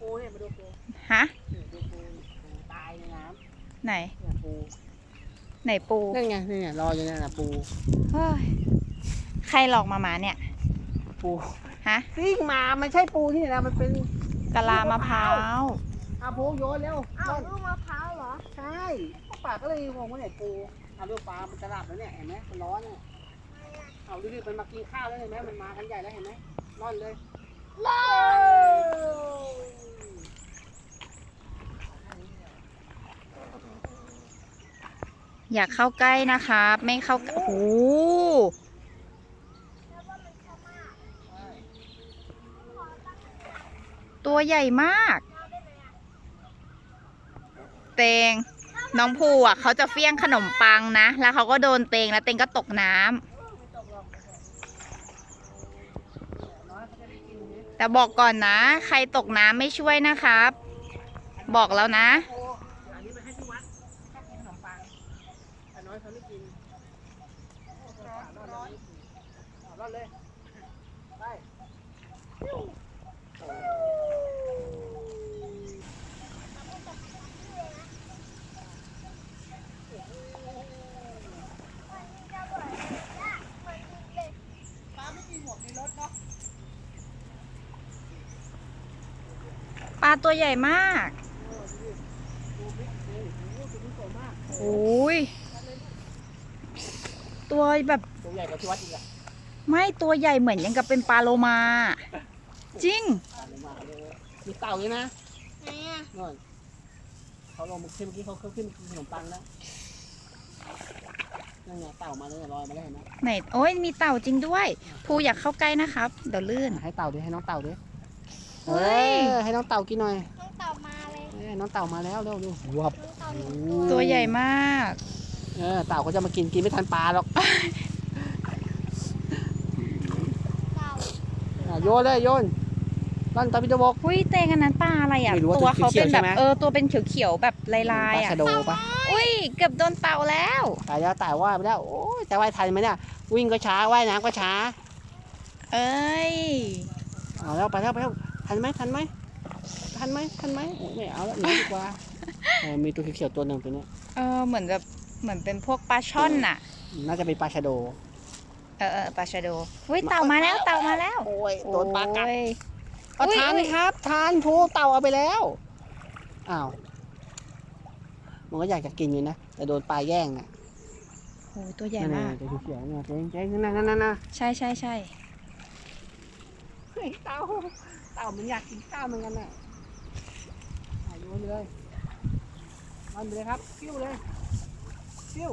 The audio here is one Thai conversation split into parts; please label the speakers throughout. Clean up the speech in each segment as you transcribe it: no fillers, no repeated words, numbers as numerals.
Speaker 1: ปูเนี่ยมาดูปู
Speaker 2: ฮะ
Speaker 1: ดูปูตายในน้
Speaker 2: ไหน
Speaker 1: ำปู
Speaker 2: ไหนปู
Speaker 1: นั่นไงนี่รออยู่นั่นนะปู
Speaker 2: เฮ้ยใครหลอกมาเนี่ย
Speaker 1: ปู
Speaker 2: ฮะ
Speaker 1: ซิ่งมามันใช่ปูที่ไหนนะมันเป็น
Speaker 2: กะลามะพร้าว
Speaker 1: ปูโยนเร็ว
Speaker 3: ลูกมะพร้าวเหรอ
Speaker 1: ใช่ปากก็เลยงงว่าไหนปูดูปลามันจะหลับแล้วเนี่ยเห็นไหมมันร้อนเนี่ยดูดิมันมากินข้าวแล้วเห็นไหมมันมากันใหญ่แล้วเห็นไหมร่อนเลย
Speaker 2: อยากเข้าใกล้นะครับไม่เข้าโอ้โหตัวใหญ่มากเตงน้องภูเขาจะเฟี้ยงขนมปังนะแล้วเขาก็โดนเตงแล้วเตงก็ตกน้ำแต่บอกก่อนนะใครตกน้ำไม่ช่วยนะครับบอกแล้วนะ
Speaker 1: อันนี้มาให้ที่วัดชอบกินขนมปังแต่น้อยเขาไม่กินร้อนเลยไป
Speaker 2: ปลาตัวใหญ่มากโอ้ยตัวแบบ
Speaker 1: ตัวใหญ่กว่าที่วัดอีกอะ
Speaker 2: ไม่ตัวใหญ่เหมือนยังกับเป็นปลาโลมาจริง
Speaker 1: มีเต่าอยู่นะ
Speaker 3: ไหนอ่ะ
Speaker 1: นู่นเขาลงเมื่อกี้เขาขึ้นขนมปังแล้วนั่นไงเต่ามาเลยลอยมาแล้วเห็นไหม
Speaker 2: ไหนโอ้ยมีเต่าจริงด้วยภูอยากเข้าใกล้นะครับเดี๋ยวลื่น
Speaker 1: ให้เต่าด้วยให้น้องเต่าด้วยให้น้องเต่ากินหน่อย
Speaker 3: น้องเต่ามาเลย
Speaker 1: น้องเต่ามาแล้วเร็วดูวับ
Speaker 2: ตัวใหญ่มาก
Speaker 1: เต่าเขาจะมากินไม่ทันปลาหรอกโยนเลยโยนต้นตาพิจบก
Speaker 2: อุ้ยเตงอันนั้นปลาอะไรอ่ะตัวเขาเป็นแบบตัวเป็นเขียวๆแบบลายๆอ่ะ
Speaker 1: ปลาชะโดปะ
Speaker 2: อุ้ยเกือบโดนเต่าแล้ว
Speaker 1: ตายแล้วตายว่าไปแล้วโอ้ยจะว่ายทันไหมเนี่ยวิ่งก็ช้าว่ายน้ำก็ช้า
Speaker 2: เอ้ย
Speaker 1: เอาแล้วไปแล้วทันไหมไม่เอาแล้วหนีดีกว่ามีตัวเขียวตัวหนึ่งตัวนี้
Speaker 2: เหมือนเป็นพวกปลาช่อนน่ะ
Speaker 1: น่าจะเป็นปลาชะโด
Speaker 2: ปลาชะโดอุ้ยเต่ามาแล้ว
Speaker 1: โอ้ยโดนปลากัดทานครับทานพูเต่าเอาไปแล้วอ้าวมันก็อยากจะกินอยู่นะแต่โดนปลาแย่งน่ะ
Speaker 2: โอ้ยตัวใหญ่มาก
Speaker 1: ตัวเขียวเนี่ยเจ๊นั่น
Speaker 2: ใช่
Speaker 1: เฮ้ยเต่ามันอยากกินข้าวเหมือนกันน่ะโยนเลยมันไปเลยครับฟิวเลยฟิว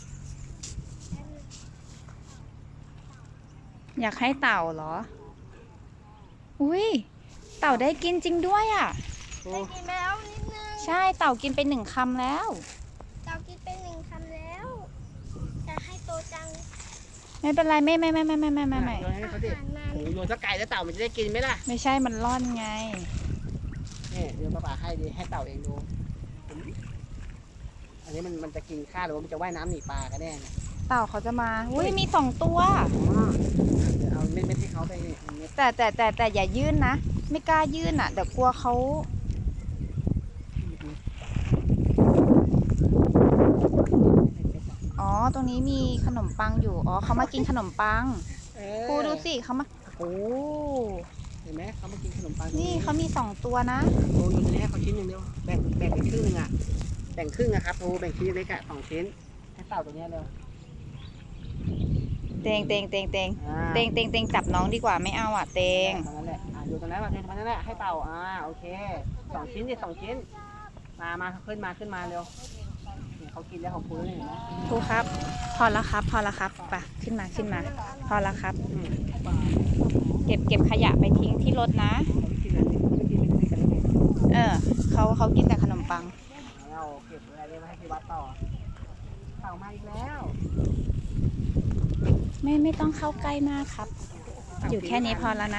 Speaker 2: อยากให้เต่าเหรออุ้ยเต่าได้กินจริงด้วยอ่ะ
Speaker 3: ได้กินไปแล้วนิดนึง
Speaker 2: ใช่เต่ากินไป1 คำแล้ว
Speaker 3: เต่ากินไป1 คำแล้วอยากให้โตจัง
Speaker 2: ไม่เป็นไรไม่
Speaker 1: โยนให้เขาดิโยนสักไก่แล้วเต่ามันจะได้กินไหมล่ะ
Speaker 2: ไม่ใช่มันร่อนไง
Speaker 1: นี่เดี๋ยวป้าให้ดิให้เต่าเองดูอันนี้มันจะกินข้าวหรือว่ามันจะว่ายน้ำหนีปลากันแน่
Speaker 2: เต่าเขาจะมาอุ้ยมี2 ตัว
Speaker 1: เอาเม็ดให้เขาไป
Speaker 2: แต่อย่ายื่นนะไม่กล้ายื่นอ่ะเดี๋ยวกลัวเขาอ๋อตรงนี้มีขนมปังอยู่อ๋อเขามากินขนมปังครูดูสิเขามาโอ้
Speaker 1: เห็นไหมเขามากินขนมปัง
Speaker 2: นี่เขามี2 ตัวนะ
Speaker 1: โอ้ยอยู่ในนี้เขาชิ้น1 เดียวแบ่งเป็นครึ่งอ่ะแบ่งครึ่งอะครับโอ้แบ่งชิ้นเล็กอะ2 ชิ้นให้เต่าตัวนี้เลย
Speaker 2: เตงจับน้องดีกว่าไม่เอาอ่ะเตง
Speaker 1: ตรงนั้นแหละอยู่ตรงนั้นมาตรงนั้นแหละให้เต่าโอเค2 ชิ้น2 ชิ้นมาขึ้นมาเร็วเขากินแล้วของครูแล้วเห็นไหม
Speaker 2: ครูครับพอแล้วครับไปขึ้นมาพอแล้วครับเก็บขยะไปทิ้งที่รถนะเขากินแต่ขนมปัง
Speaker 1: เราเก็บอะไรมาให้ที่วัดต่อเต่ามาอีกแล้ว
Speaker 2: ไม่ต้องเข้าใกล้มากครับอยู่แค่นี้พอแล้วนะ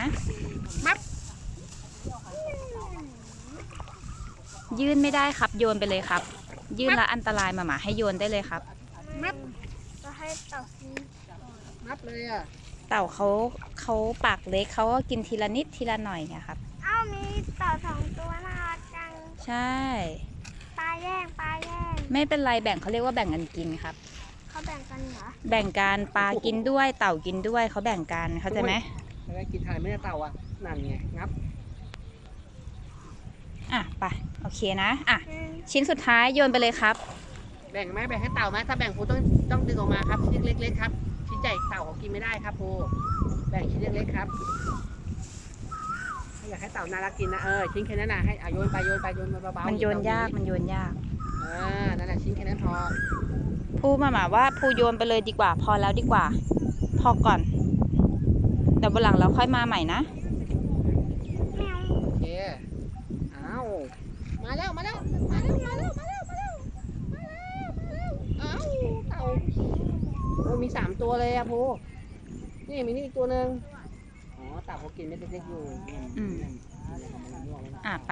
Speaker 2: ยื่นไม่ได้ครับโยนไปเลยครับยื่นละอันตรายมาให้โยนได้เลยครับ
Speaker 3: จะให้เต่ากิน
Speaker 1: นับเลยอ่ะ
Speaker 2: เต่าเขาปากเล็กเขาก็กินทีละนิดทีละหน่อยไงครับ
Speaker 3: มีเต่า2 ตัวนะ
Speaker 2: ใช่
Speaker 3: ปลาแย่งปลาแย่ง
Speaker 2: ไม่เป็นไรแบ่งเขาเรียกว่าแบ่งกันกินครับ
Speaker 3: เขาแบ่งกันเหรอ
Speaker 2: แบ่งกันปลากินด้วยเต่ากินด้วยเขาแบ่งกันเข้าใจไหม
Speaker 1: แล้วกินทานไม่ได้เต่าอ่ะนั่นไงงับ
Speaker 2: อ่ะไปโอเคนะอ่ะ
Speaker 3: อืม
Speaker 2: ชิ้นสุดท้ายโยนไปเลยครับ
Speaker 1: แบ่งไหมแบ่งให้เต่าไหมถ้าแบ่งครูต้องดึงออกมาครับชิ้นเล็กๆครับชิ้นใหญ่เต่าเขากินไม่ได้ครับครูแบ่งชิ้นเล็กๆครับถ้าอยากให้เต่าน่ารักกินนะชิ้นแค่นั้นนะให้โยนไปโยนมาเบาๆ
Speaker 2: มันโยนยากมันโยนยาก
Speaker 1: นั่นแหละชิ้นแค่นั้นพอ
Speaker 2: พูดมาหมาว่าพูโยนไปเลยดีกว่า พอแล้วดีกว่า พอก่อนเดี๋ยววันหลังเราค่อยมาใหม่นะ
Speaker 3: แมว
Speaker 1: โอเคเอามาแล้วเอาเต่าโอ้มี3ตัวเลยอะพูนี่มีนี่อีกตัวหนึ่งอ๋อเต่าเขากินเม็ดเล็กๆอยู่
Speaker 2: อืม อ่ะไป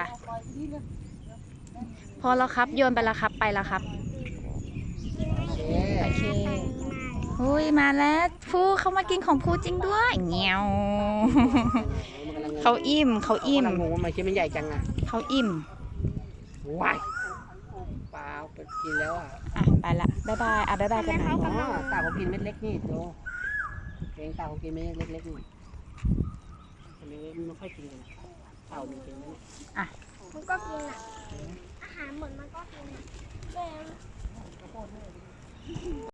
Speaker 2: พอแล้วครับโยนไปแล้วครับไปแล้วครับ
Speaker 1: โอเค
Speaker 2: โอเคอุ้ยมาแล้วพูเขามากินของพูจริงด้วยเงี้ยว เขาอิ่มเขา
Speaker 1: อิ่
Speaker 2: อิ่
Speaker 1: ม
Speaker 2: ม
Speaker 1: งงว่ามันชิ้นมันใหญ่จังอะ
Speaker 2: เขาอิ่ม
Speaker 1: ว้ายเปล่าไปกินแล้วอ่ะ
Speaker 2: อ่ะไปละบ๊ายบายอ่ะบ๊ายบายกันนะ
Speaker 1: อ๋อเต่าเขากินเม็ดเล็กนี่โตเองเต่าเขากินเม็ดเล็กๆนี่อันนี้ไม่ค่อยกินกันเต่ามันกินไหมเนี่ย
Speaker 3: มันก็กินอ่ะ อาหารหมดมันก็กินอะแมว